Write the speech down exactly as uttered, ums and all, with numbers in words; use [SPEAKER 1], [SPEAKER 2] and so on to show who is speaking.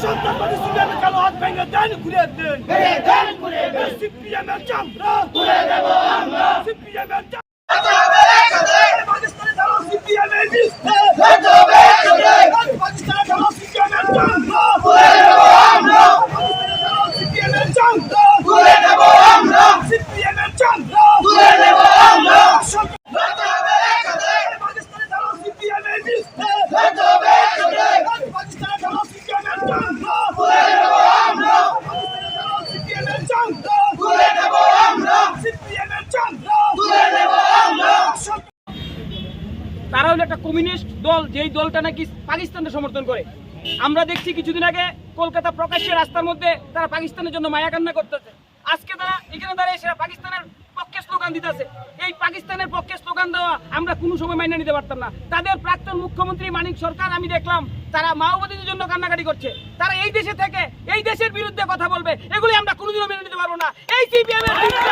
[SPEAKER 1] সন্ত্রাসবাদী সিপিএমের কালো হাত ভেঙে দেন, ঘুরে দেন, সিপিএমের চামড়া ঘুরে দেব আমরা, সিপিএমের পাকিস্তানের চালো সিপিএমের বিরুদ্ধে, পাকিস্তানের চালো সিপিএমের চামড়া ঘুরে দেব আমরা, পাকিস্তানের চালো সিপিএমের চামড়া ঘুরে দেব আমরা, সিপিএমের চামড়া ঘুরে দেব আমরা, পাকিস্তানের চালো সিপিএমের বিরুদ্ধে, পাকিস্তানের চালো সিপিএমের চামড়া ঘুরে দেব আমরা, পাকিস্তানের চালো সিপিএমের চামড়া ঘুরে দেব আমরা, সিপিএমের চামড়া ঘুরে দেব আমরা।
[SPEAKER 2] তারা হলো একটা কমিউনিস্ট দল, যেই দলটা নাকি পাকিস্তানকে সমর্থন করে। আমরা দেখছি কিছুদিন আগে কলকাতা প্রকাশ্যে রাস্তার মধ্যে তারা পাকিস্তানের জন্য মায়া কান্না করতেছে। আজকে তারা এখানে দাঁড়িয়ে সেরা পাকিস্তানের পক্ষে স্লোগান দিতেছে। এই পাকিস্তানের পক্ষে স্লোগান দেওয়া আমরা কোনো সময় মাইনে নিতে পারতাম না। তাদের প্রাক্তন মুখ্যমন্ত্রী মানিক সরকার, আমি দেখলাম তারা মাওবাদীদের জন্য কান্নাকাটি করছে। তারা এই দেশে থেকে এই দেশের বিরুদ্ধে কথা বলবে, এগুলি আমরা কোনোদিনও মেনে নিতে পারবো না। এই সিপিএমের